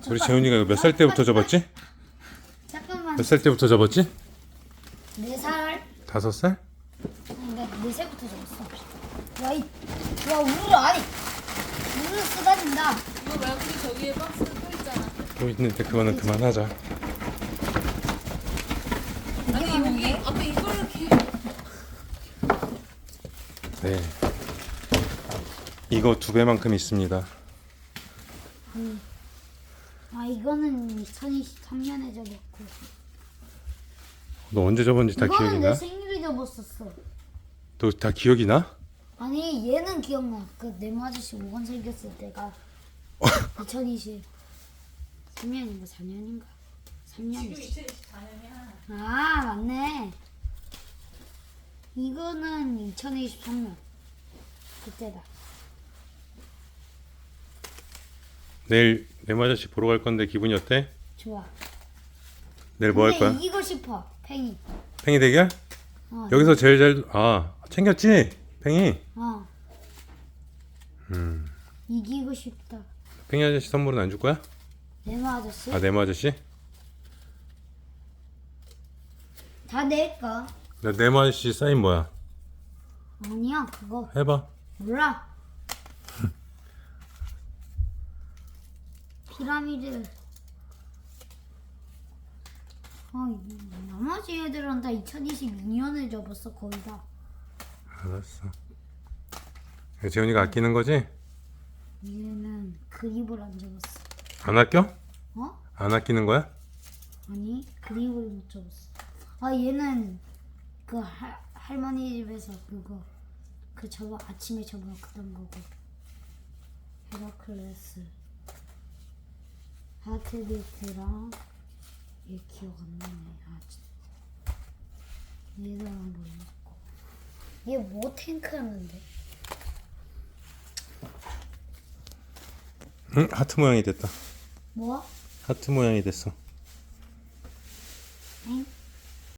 우리 재훈이가 몇 살 때부터 접었지? 잠깐만. 몇 살 때부터 접었지? 4살? 5살? 아니 나 4살부터 접었어. 와 우르르 아니 우르르 쏟아진다. 이거 말고 우리 저기에 박스 또 있잖아. 또 있는데 그거는 그만하자. 아니 여기 앞에 이걸 이렇게. 네. 이거 2배만큼 있습니다. 아 이거는 2023년에 접었고. 너 언제 접었는지 다 기억이 이거는 내 나? 생일에 접었었어. 너 다 기억이 나? 아니 얘는 기억나. 그 네모 아저씨 5원 생겼을 때가 2020 3년인가 4년인가 3년이지. 2024년이야. 아 맞네. 이거는 2023년 그때다. 내일 내마저씨 보러 갈 건데 기분이 어때? 좋아. 내일 뭐 할 근데 거야? 이기고 싶어. 팽이. 팽이 대결? 어. 여기서 제일 챙겼지? 팽이? 어. 이기고 싶다. 팽이 아저씨 선물은 안 줄 거야? 네모 아저씨? 아 네모 아저씨? 다 낼까? 나 네모 아저씨 사인 뭐야? 아니야 그거 해봐. 몰라. 피라미드. 나머지 애들은 다 2022년에 접었어 거의 다. 알았어. 재훈이가 아끼는 거지? 얘는 그립을 안 접었어. 안 아껴? 어? 안 아끼는 거야? 아니 그립을 못 접었어. 아 얘는 그 할머니 집에서 그거 그 저거 아침에 접었던 거고. 헤라클레스 하트비트랑 얘 기억 안 나네. 아 진짜. 얘랑 뭐였고. 얘 뭐 탱크였는데? 응? 하트 모양이 됐다. 뭐? 하트 모양이 됐어. 엥?